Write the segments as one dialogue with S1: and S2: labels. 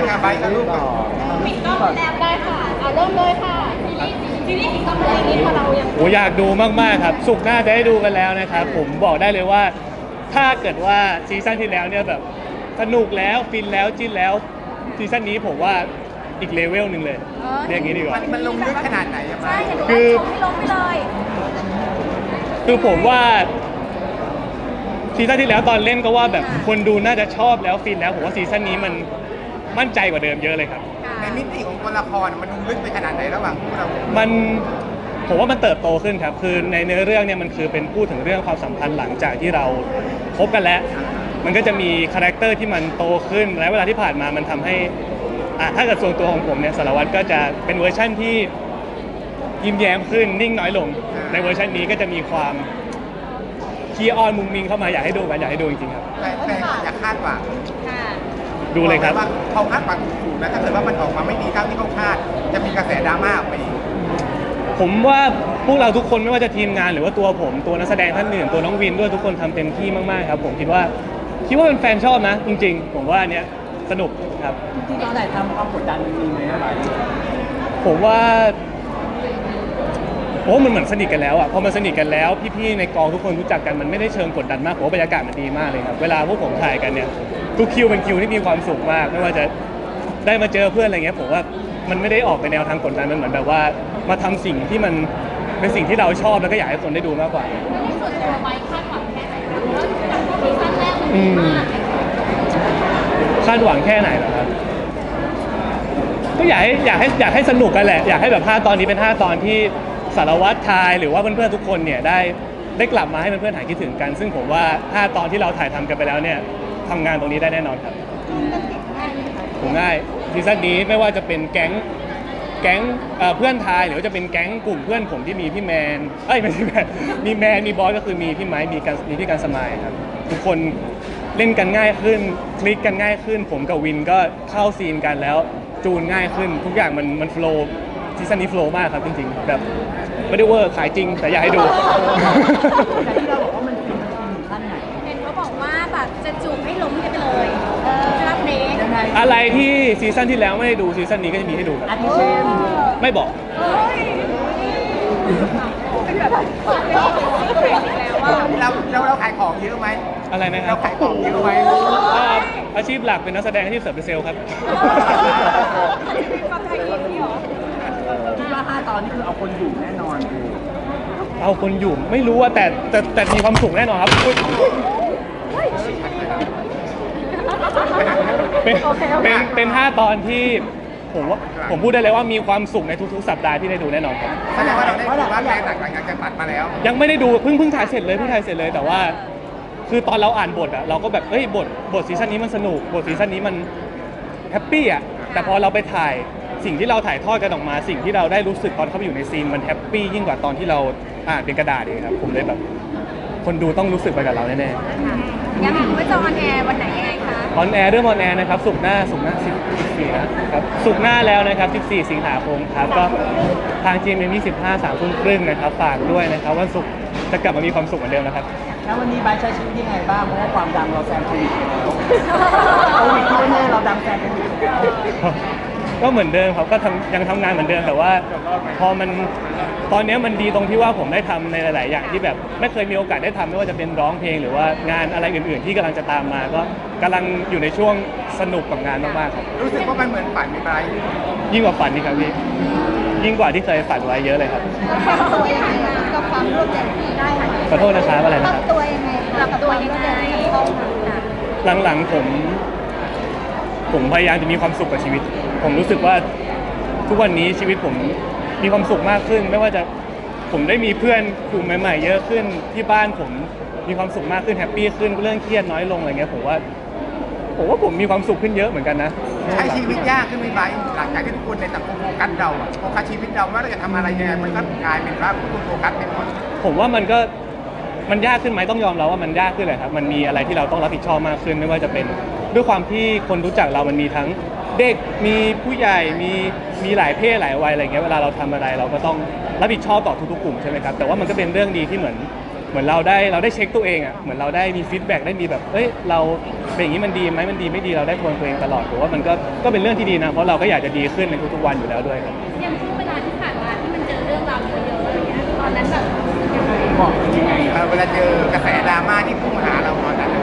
S1: กับไบค์กับลูกก่อน
S2: ปิดกล้องแล้วได้ค่ะเอาเริ่มเลยค่ะซีรีส์ปิดกล้องเลยนี้พอเรายัง
S3: โอ้อยากดูมากๆครับศุกร์หน้าจะได้ดูกันแล้วนะครับผมบอกได้เลยว่าถ้าเกิดว่าซีซั่นที่แล้วเนี่ยแบบสนุกแล้วฟินแล้วจิ้นแล้วซีซั่นนี้ผมว่าอีกเลเวลหนึ่งเลยเรียกอย่างนี้ดีกว่า
S1: มันลงลึกขนาดไหนอะไบ
S2: ใช่
S1: ค์
S2: เห็นว่า
S3: คือ
S2: ชมให้ลงไปเลย
S3: คือผมว่าซีซั่นที่แล้วตอนเล่นก็ว่าแบบคนดูน่าจะชอบแล้วฟินแล้วผมว่าซีซั่นนี้มันมั่นใจกว่าเดิมเยอะเลยครับ
S1: ในมิติของตัวละครมันลงลึกไปขนาดไหนระหว่างพวกเรา
S3: มันผมว่ามันเติบโตขึ้นครับคือในเนื้อเรื่องเนี่ยมันคือเป็นพูดถึงเรื่องความสัมพันธ์หลังจากที่เราคบกันแล้วมันก็จะมีคาแรคเตอร์ที่มันโตขึ้นและเวลาที่ผ่านมามันทำให้ถ้าเกิดส่วนตัวของผมเนี่ยสารวัตรก็จะเป็นเวอร์ชั่นที่ยิ้มแย้มขึ้นนิ่งน้อยลงในเวอร์ชันนี้ก็จะมีความขี้อ้อนมุงมิงเข้ามาอยากให้ดูกันอยากให้ดูจริงๆครับ
S1: แต่อย่าคาดหวัง
S2: ค่ะ
S3: ดูเลยครับ
S1: ว่าเขาคาดหวังถูกนะถ้าเกิดว่ามันออกมาไม่ดีเท่าที่เขาคาดจะมีกระแสดราม่าออกไปอีก
S3: ผมว่าพวกเราทุกคนไม่ว่าจะทีมงานหรือว่าตัวผมตัวนักแสดงท่านอื่นตัวน้องวินด้วยทุกคนทำเต็มที่มากๆครับผมคิดว่าเป็นแฟนชอบนะจริงๆผมว่าอันเนี้ยสนุกครับ
S4: ที่ตอนไหนทำความกดดันมันมีไหมอะไร
S3: ผมว่ามันเหมือนสนิทกันแล้วอ่ะพอมันสนิทกันแล้วพี่ๆในกองทุกคนรู้จักกันมันไม่ได้เชิงกดดันมากผมว่าบรรยากาศมันดีมากเลยครับเวลาพวกผมถ่ายกันเนี่ยทุกคิวเป็นคิวที่มีความสุขมากไม่ว่าจะได้มาเจอเพื่อนอะไรเงี้ยผมว่ามันไม่ได้ออกไปแนวทางกดดันมันเหมือนแบบว่ามาทำสิ่งที่มันเป็นสิ่งที่เราชอบแล้วก็อยากให้คนได้ดูมากกว่า
S2: ในส่วนตัวไบคาดหวังแค่ไหนคะเพราะว่าจากซีซั่นแรกมันดีมาก
S3: คาดหวังแค่ไหนเหรอครับก็อยากให้สนุกกันแหละอยากให้แบบ5 ตอนนี้เป็น5 ตอนที่สารวัตรทายหรือว่าเพื่อนๆทุกคนเนี่ยได้กลับมาให้เพื่อนๆหายคิดถึงกัน ซึ่งผมว่า5 ตอนที่เราถ่ายทำกันไปแล้วเนี่ยทำงานตรงนี้ได้แน่นอนครับผมง่ายซีซั่นนี้ไม่ว่าจะเป็นแก๊งเพื่อนทายหรือว่าจะเป็นแก๊งกลุ่มเพื่อนผมที่มีพี่แมนไม่ใช่แมนมีแมนมีบอสก็คือมีพี่ไม้มีพี่การสมายครับทุกคนเล่นกันง่ายขึ้นคลิกกันง่ายขึ้นผมกับวินก็เข้าซีนกันแล้วจูนง่ายขึ้นทุกอย่างมันโฟล์ซีซั่นนี้โฟล์มากครับจริงๆแบบไม่ได้เวอร์ขายจริงแต่อยากให้ดู
S4: แต่ที่เราบอกว่ามันคือขั้นไหน
S2: เห็นเขาบอกว่าแบบจะจูบให้ล้มกันไปเลยใช่ไหมเพลง
S4: ยังไง
S3: อะไรที่ซีซั่นที่แล้วไม่ได้ดูซีซั่นนี้ก็จะมีให้ดูครับ
S4: อาทิเช่น
S3: ไม่บอก
S2: เฮ้ยเป็นแบบเปิดโลกซีเครตอีกแล้วว่า
S1: เราขายของเยอะไหม
S3: อะไรนะครั
S1: เรา
S3: บ
S1: ขายของเยอะไหม
S3: อาชีพหลักเป็นนักแสดงอาชีพเสิร์ฟเป็นเซลล์ครับ
S2: ความไทยอินนี่หรอ
S4: คิดว่า5 ตอนนี่คือเอาคนอยู่แน่นอน
S3: เอาคนอยู่ไม่รู้ว่าแต่มีความสุขแน่นอนครับอุ๊ยเป็น5 ตอนที่ผมพูดได้เลยว่ามีความสุขในทุกๆสัปดาห์ที่ได้ดูแน่นอนครับ
S1: แสดงว่าเราได้ดูว่าแรงหลังจากตัดมาแล้ว
S3: ยังไม่ได้ดูเพิ่งถ่ายเสร็จเลยแต่ว่าคือตอนเราอ่านบทอะเราก็แบบบทซีซั่นนี้มันสนุกบทซีซั่นนี้มันแฮปปี้อะแต่พอเราไปถ่ายสิ่งที่เราถ่ายทอดกันออกมาสิ่งที่เราได้รู้สึกตอนเข้าไปอยู่ในซีนมันแฮปปี้ยิ่งกว่าตอนที่เราอ่านเป็นกระดาษเองครับผมเลยแบบคนดูต้องรู้สึกไปกับเราแน่ๆ
S2: ยังไม่จะออนแอร์วันไหนยังไงคะ
S3: ออนแอร์เรื่องออนแอร์นะครับศุกร์หน้า14นะครับศุกร์หน้าแล้วนะครับ14 สิงหาคมครับก็ทาง GMM 25 3 ทุ่มครึ่งนะครับฝากด้วยนะครับวันศุกร์จะกลับมามีความสุขเหมือนเดิมนะครับ
S4: แล้ววันนี้ไบร์ทใช้ชีวิตยังไงบ้าง เพราะว่าความดังเราแซงโควิดไปแล้วโควิดที่แน่ๆเราดังแซงโควิดแล้ว
S3: ก็เหมือนเดิมครับก็ยังทำงานเหมือนเดิมแต่ว่าพอมันตอนนี้มันดีตรงที่ว่าผมได้ทำในหลาย ๆ อย่างที่แบบไม่เคยมีโอกาสได้ทำไม่ว่าจะเป็นร้องเพลงหรือว่างานอะไรอื่น ๆ ที่กำลังจะตามมาก็กำลังอยู่ในช่วงสนุกกับงานมาก ๆ ครับ
S1: รู้สึกว่ามันเหมือนฝันไหมไบค์
S3: ยิ่งกว่าฝันนี่ครับพี่ยิ่งกว่าที่เคยฝันไว้เยอะเลยครับ
S2: ตัวยังไงกับความร่วมใจที่ได้
S3: ขอโทษนะครับอะไรนะครับ
S2: ตัวยังไงปรับตัวยังไง
S3: หลังๆผมพยายามจะมีความสุขกับชีวิต ผมรู้สึกว่าทุกวันนี้ชีวิตผมมีความสุขมากขึ้น ไม่ว่าจะผมได้มีเพื่อนกลุ่มใหม่ๆเยอะขึ้นที่บ้านผมมีความสุขมากขึ้นแฮปปี้ขึ้นเรื่องเครียดน้อยลงอะไรเงี้ยผมว่าผมมีความสุขขึ้นเยอะเหมือนกันนะ
S1: ใช้ชีวิตยากขึ้นไหมไบค์หลังจากที่ทุกคนในสังคมโฟกัสเราอะโฟกัสชีวิตเราว่าเราจะทำอะไรยังไงมันก็กลายเป็นว่าทุกคนโฟกัสเป็นหมด
S3: ผมว่ามันยากขึ้นไหมต้องยอมรับว่ามันยากขึ้นเลยครับมันมีอะไรที่เราต้องรับผิดชอบมากขึ้นไม่ว่าจะเป็นด้วยความที่คนรู้จักเรามันมีทั้งเด็กมีผู้ใหญ่มีหลายเพศหลายวัยอะไรเงี้ยเวลาเราทำอะไรเราก็ต้องรับผิดชอบต่อทุกๆกลุ่มใช่ไหมครับแต่ว่ามันก็เป็นเรื่องดีที่เหมือนเหมือนเราได้เช็คตัวเองอ่ะเหมือนเราได้มีฟีดแบ็กได้มีแบบเอ้ยเราเป็นอย่างนี้มันดีไหมมันดีไม่ดีเราได้ทวนตัวเองตลอดผมว่ามันก็เป็นเรื่องที่ดีนะเพราะเราก็อยากจะดีขึ้นในทุกๆวันอยู่แล้วด้วยครับ
S2: อย่างช่วงเวลาที่ผ่านมาที่มันเจอเรื่องราวเยอะๆอะไรเงี้ยตอนนั้นแบบยังไง
S4: บอกยังไง
S1: เวลาเจอกระแสดราม่าที่พุ่งมาหาเราตอนนั้น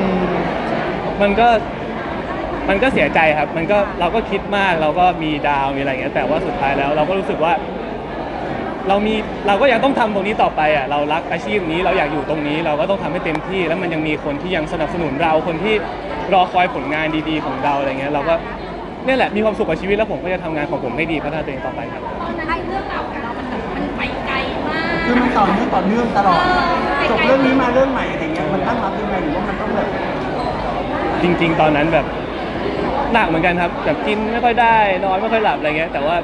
S3: มันก็เสียใจครับเราก็คิดมากเราก็มีดาวมีอะไรอย่างเงี้ยแต่ว่าสุดท้ายแล้วเราก็รู้สึกว่าเราก็ยังต้องทำตรงนี้ต่อไปอ่ะเรารักอาชีพนี้เราอยากอยู่ตรงนี้เราก็ต้องทำให้เต็มที่แล้วมันยังมีคนที่ยังสนับสนุนเราคนที่รอคอยผลงานดีๆของเราอะไรเงี้ยเราก็เนี่ยแหละมีความสุขกับชีวิตแล้วผมก็จะทำงานของผมให้ดีพัฒนาตัวเองต่อไปครับ
S2: ตอนนั้นเรื่องราวของเรามันไปไกลมาก
S4: คือมันต่อเนื่องตลอดจบเรื่องนี้มาเรื่องใหม่อะไรเงี้ยมันตั้งรับยังไงหรือว่ามันต้องแบบ
S3: จริงๆตอนนั้นแบบหนักเหมือนกันครับแบบกินไม่ค่อยได้นอนไม่ค่อยหลับอะไรเงี้ยแต่ว่า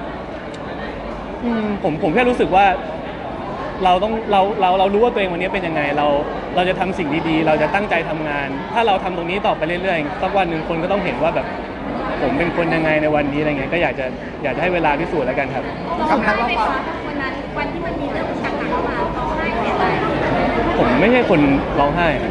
S3: ผมแค่รู้สึกว่าเรารู้ว่าตัวเองวันนี้เป็นยังไงเราจะทำสิ่งดีๆเราจะตั้งใจทำงาน ถ้าเราทำตรงนี้ต่อไปเรื่อยๆสักวันหนึ่งคนก็ต้องเห็นว่าแบบผมเป็นคนยังไงในวันนี้อะไรเงี้ยก็อยากจะให้เวลาพิสูจน์แล้วกันครับ
S2: เราได้ไหมคะวันนั้นวันที่มันมีเรื่องหนักๆเข้ามาร้องไห้เสียใจ
S3: ผมไม่ใช่คนร้องไห้ครับ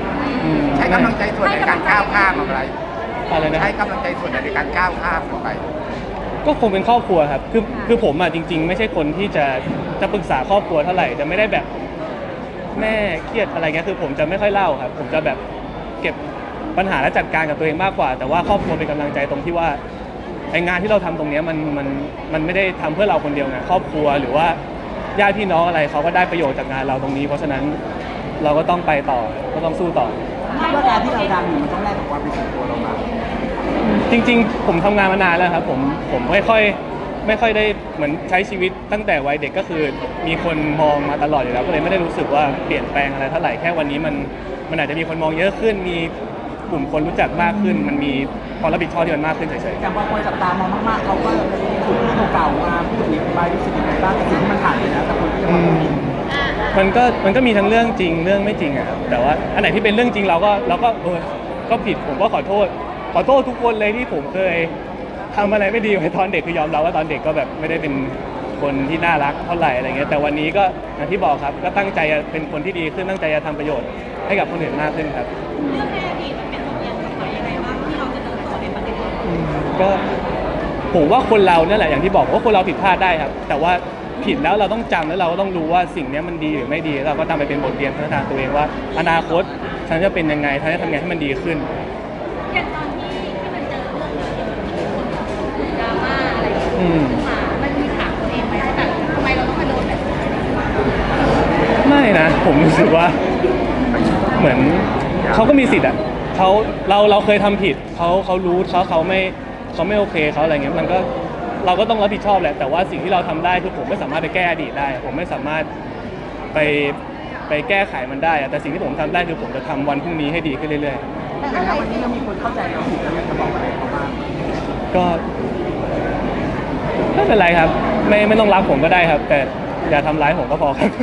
S1: ใช้กำลังใจส่วนในการก้าวข้ามอะไร
S3: อะไรนะ
S1: ใช้กำลังใจส่วนในการก้าวข้ามไป
S3: ก็คงเป็นครอบครัวครับคือผมอ่ะจริงๆไม่ใช่คนที่จะปรึกษาครอบครัวเท่าไหร่จะไม่ได้แบบแม่เครียดอะไรเงี้ยคือผมจะไม่ค่อยเล่าครับผมจะแบบเก็บปัญหาและจัดการกับตัวเองมากกว่า แต่ว่าครอบครัวเป็นกำลังใจตรงที่ว่าไองานที่เราทำตรงเนี้ยมันไม่ได้ทำเพื่อเราคนเดียวไงครอบครัวหรือว่าญาติพี่น้องอะไรเขาก็ได้ประโยชน์จากงานเราตรงนี้ เพราะฉะนั้นเราก็ต้องไปต่อก็ต้องสู้ต่อ
S4: คิดว่าการที่เราดังอยู่มันต้องแลกกับความเป็นส่วนตัวเรามา
S3: จริงๆผมทำงานมานานแล้วครับผมไม่ค่อยได้เหมือนใช้ชีวิตตั้งแต่วัยเด็กก็คือมีคนมองมาตลอดอยู่แล้วก็เลยไม่ได้รู้สึกว่าเปลี่ยนแปลงอะไรเท่าไหร่แค่วันนี้มันอาจจะมีคนมองเยอะขึ้นมีกลุ่มคนรู้จักมากขึ้นมันมีความรับผิดชอบที่มันมากขึ้นเฉย
S4: อย่างบางคนจับตามองมากๆเขาก็ขุดเรื่องเก่าๆมาพูดถึงใบรู้สึกยังไงบ้างกับสิ่งที่มันผ่านไปแล้วแต่คนก็ยังมองไม่เห็น
S3: ๆมันก็มีทั้งเรื่องจริงเรื่องไม่จริงอะครับแต่ว่าอันไหนที่เป็นเรื่องจริงเราก็ก็ผิดผมก็ขอโทษทุกคนเลยที่ผมเคยทำอะไรไม่ดีไว้ตอนเด็กคือยอมรับว่าตอนเด็กก็แบบไม่ได้เป็นคนที่น่ารักเท่าไหร่อะไรเงี้ยแต่วันนี้ก็อย่างที่บอกครับก็ตั้งใจจะเป็นคนที่ดีขึ้นตั้งใจจะทำประโยชน์ให้กับคนอื่นมากขึ้นครับ
S2: เรื่องในอดีตมันเป็นบทเรียนสำคัญยังไงบ้างที่เราจะเติบโตในประเด็นนี้
S3: ก็ผมว่าคนเราเนี่ยแหละอย่างที่บอกว่าคนเราผิดพลาดได้ครับแต่ว่าผิดแล้วเราต้องจำแล้วเราก็ต้องรู้ว่าสิ่งนี้มันดีหรือไม่ดีเราก็ตามไปเป็นบทเรียนพัฒนาตัวเองว่าอนาคตฉันจะเป็นยังไงฉันจะทำยังไงให้มันดีขึ้น
S2: อย่างตอนที่มันเจอเรื่องคนดราม่าอะไรอย่างเงี้ย
S3: อืม
S2: มามันมีถามตัวเองไหมว่าแบบทำไมเราต้องมาโดนแบบนี้
S3: ไม่นะผมรู้สึกว่าเหมือนเขาก็มีสิทธิ์อ่ะเราเคยทำผิดเขารู้เขาไม่โอเคเขาอะไรเงี้ยมันก็เราก็ต้องรับผิดชอบแหละแต่ว่าสิ่งที่เราทำได้คือผมไม่สามารถไปแก้อดีตได้ ผมไม่สามารถไปแก้ไขมันได้อะแต่สิ่งที่ผมทำได้คือผมจะทำวันพรุ่งนี้ให้ดีขึ้นเรื่อยๆ
S4: แต่ถ้าวันนี้เรามีคนเข้าใจเราผิดเราอยากจะบอกอะไรเขาบ้าง
S3: ก็ไม่เป็นไรครับไม่ต้องรักผมก็ได้ครับ แต่อย่าทำร้ายผมก็พอครับ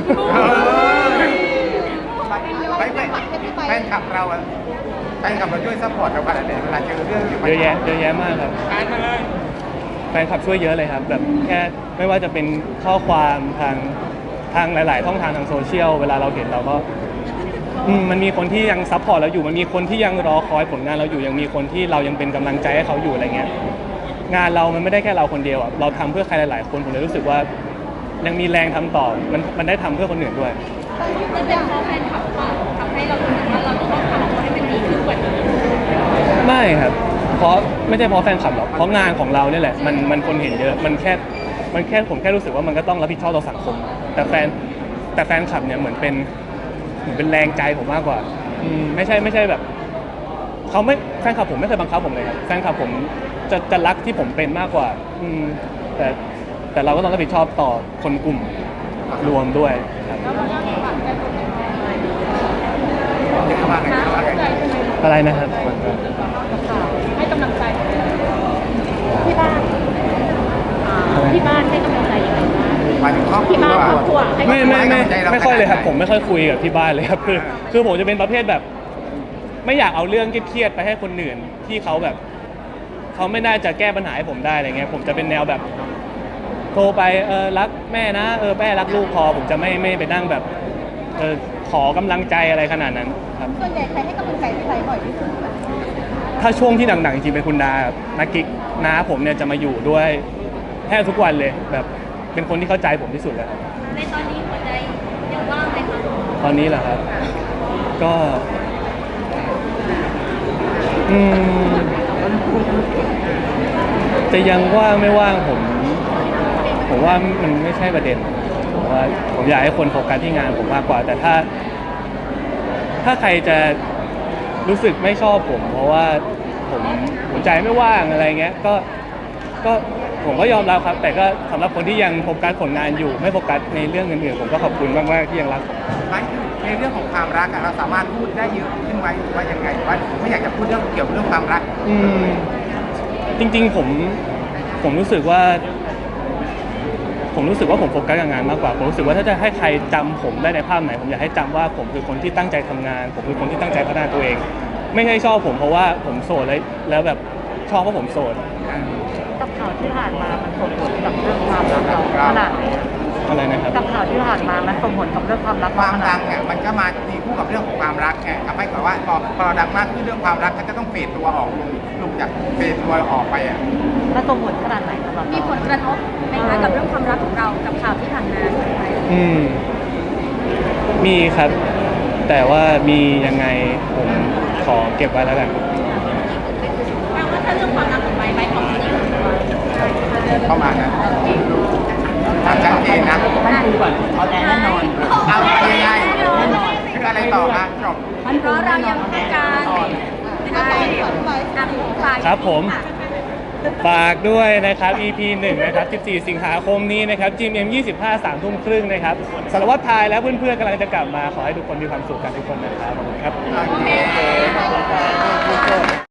S1: แฟนคลับเราอะแฟนคลับเราช่วยซัพพอร์ตเราขนาดไหนเวลาเจอเรื่องอยู่
S3: เยอะแยะมากครับแฟนคลับช่วยเยอะเลยครับแบบแค่ไม่ว่าจะเป็นข้อความทางหลาย ๆ ช่องทางทางโซเชียลเวลาเราเห็นเราก็มันมีคนที่ยังซัพพอร์ตเราอยู่มันมีคนที่ยังรอคอยผลงานเราอยู่ยังมีคนที่เรายังเป็นกำลังใจให้เขาอยู่อะไรเงี้ยงานเรามันไม่ได้แค่เราคนเดียวอ่ะเราทำเพื่อใครหลาย ๆ คนผมเลยรู้สึกว่ายังมีแรงทำต่อมันได้ทำเพื่อคนอื่นด้วย
S2: มันเป็นเพราะแฟนคลับว่าทำให้เรารู้สึกว่าเราต้องทำให้มันดีขึ้นกว่านี้
S3: ไม่ครับเพราะไม่ใช่เพราะแฟนคลับหรอกเพราะงานของเราเนี่ยแหละมันคนเห็นเยอะมันแค่ผมแค่รู้สึกว่ามันก็ต้องรับผิดชอบต่อสังคม แต่แฟนคลับเนี่ยเหมือนเป็นแรงใจผมมากกว่าไม่ใช่แบบเขาไม่แฟนคลับผมไม่เคยบังคับผมเลยครับแฟนคลับผมจะรักที่ผมเป็นมากกว่าแต่เราก็ต้องรับผิดชอบต่อคนกลุ่มรวมด้วยครับ อะไรนะครับ
S2: ให้กำลังใจที่บ้านที่บ้านให้กำลังใจยังไงบ้าง
S1: หมายถึงครอบครั
S2: ที่บ้านครอบครัว
S1: ว
S2: ให้
S3: ไม่
S2: กำลังใจ
S3: ไม่ค่อยเลยครับผมไม่ค่อยคุยกับที่บ้านเลยครับคือผมจะเป็นประเภทแบบ ไม่อยากเอาเรื่องเครียดๆไปให้คนอื่นที่เขาแบบเขาไม่น่าจะแก้ปัญหาให้ผมได้อะไรเงี้ยผมจะเป็นแนวแบบโทรไปรักแม่นะแม่รักลูกพอผมจะไม่ไปนั่งแบบคขอกำลังใจอะไรขนาดนั้นครับ
S2: ส่วนใหญ่ใครให้กำลังใจพี่ไบร์ทบ่อยที่สุด
S3: ถ้าช่วงที่หนักๆจริงๆเป็นคุณนาครับนักกิ๊กน้าผมเนี่ยจะมาอยู่ด้วยแทบทุกวันเลยแบบเป็นคนที่เข้าใจผมที่สุดเลยครับ
S2: ในตอนนี้หัวใจยังว่างไหมคะ
S3: ตอนนี้เหรอครับ ก็อืมจะยังว่างไม่ว่างผมว่ามันไม่ใช่ประเด็นผมว่าผมอยากให้คนโฟกัสที่งานผมมากกว่า แต่ถ้าใครจะรู้สึกไม่ชอบผม เพราะว่าผมหัวใจไม่ว่างอะไรเงี้ยก็ผมก็ยอมรับครับ แต่ก็สำหรับคนที่ยังโฟกัสผลงานอยู่ไม่โฟกัสในเรื่องอื่นๆผมก็ขอบคุณมากๆที่ยังรักผม
S1: ไม่ในเรื่องของความรักอะเราสามารถพูดได้เยอะขึ้นไหมหรือว่ายังไงว่าไม่อยากจะพูดเรื่องเกี่ยวกับเรื่องความรัก
S3: จริงๆผมรู้สึกว่าผมโฟกัสกับงานมากกว่าผมรู้สึกว่าถ้าจะให้ใครจำผมได้ในภาพไหนผมอยากให้จำว่าผมคือคนที่ตั้งใจทำงาน ผมคือคนที่ตั้งใจพัฒนาตัวเอง ไม่ใช่ชอบผมเพราะว่าผมโสดแล้วแบบชอบเพราะผมโสด
S2: กับข่าวที่ผ่านมามันส่งผลกับเรื่องความรักเราขนาดไหน
S3: อะไรนะครับ
S2: กับข่าวที่ผ่านมามันส่งผลกับเรื่องความรัก
S1: ความดังเนี่ยมันก็มาตีคู่กับเรื่องของความรักไงทำให้แบบว่าพอเราดังมากขึ้นเรื่องความรักก็จะต้องเฟดตัวออกลงจากเฟดตัวออกไปอ่ะ
S2: มันส่งผลขนาดไหนสำหรับมีผลกระทบไหมคะกับเรื่องความรักของเรากับข่าวที่ผ่านมา
S3: มีครับ แต่ว่ามียังไงผมขอเก็บไว้แล้วกัน
S2: แปลว่าถ้าเรื่องความรักของไบร์ทของที่
S1: เข้ามานะชัดเจนนะ
S4: ท่านคุยก่อนเอาแต่แน่นอน
S1: เอายังไงคืออะไรต่อคะจบ
S4: ท่านคุยแน่นอนเอาแต่แน่นอน
S3: ครับผมฝากด้วยนะครับ EP 1 นะครับ 14 สิงหาคมนี้นะครับ GMM 25 3 ทุ่มครึ่งนะครับสารวัตรทายและเพื่อนๆกำลังจะกลับมาขอให้ทุกคนมีความสุขกันทุกคนนะครับขอบคุณครับ
S1: โอเค